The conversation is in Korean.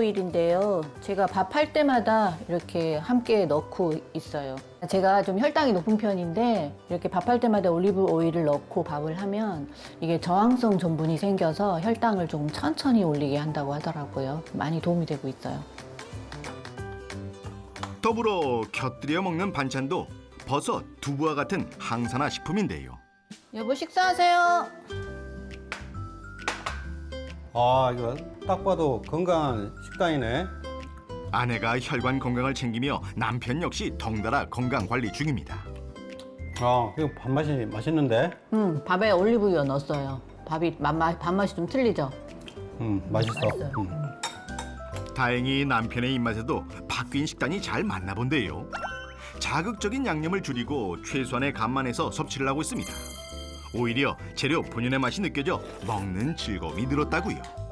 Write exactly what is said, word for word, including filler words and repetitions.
오일인데요. 제가 밥할 때마다 이렇게 함께 넣고 있어요. 제가 좀 혈당이 높은 편인데 이렇게 밥할 때마다 올리브 오일을 넣고 밥을 하면 이게 저항성 전분이 생겨서 혈당을 좀 천천히 올리게 한다고 하더라고요. 많이 도움이 되고 있어요. 더불어 곁들여 먹는 반찬도 버섯, 두부와 같은 항산화 식품인데요. 여보 식사하세요. 아, 이거 딱 봐도 건강한 식단이네. 아내가 혈관 건강을 챙기며 남편 역시 덩달아 건강 관리 중입니다. 아, 이거 밥맛이 맛있는데? 음, 밥에 올리브유 넣었어요. 밥이 맛, 밥맛이 좀 틀리죠? 음, 맛있어. 맛있어요. 음. 다행히 남편의 입맛에도 바뀐 식단이 잘 맞나 본데요. 자극적인 양념을 줄이고 최소한의 간만에서 섭취를 하고 있습니다. 오히려 재료 본연의 맛이 느껴져 먹는 즐거움이 늘었다고요.